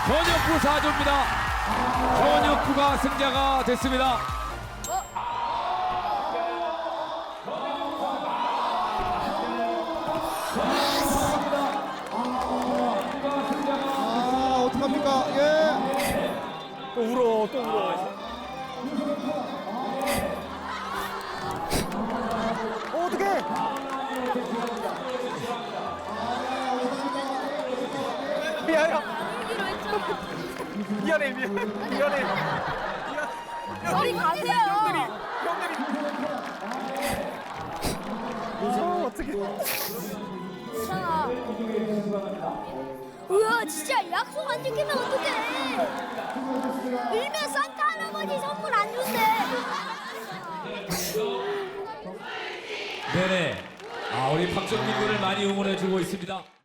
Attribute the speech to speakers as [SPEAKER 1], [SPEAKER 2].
[SPEAKER 1] 전혁구 4조입니다. 전혁구가 승자가 됐습니다.
[SPEAKER 2] 아, 어떡합니까? 예.
[SPEAKER 3] 또 울어, 또 울어. 어떡해! 미안해. 미안해.
[SPEAKER 4] 저리 가세요.
[SPEAKER 3] 무서워, 어떡해.
[SPEAKER 4] 괜찮아. 우와, 진짜 약속 안 지키면 어떡해. 일면 산타 할아버지 선물 안 준대.
[SPEAKER 1] 네네. 우리 박정민 군을 많이 응원해주고 있습니다.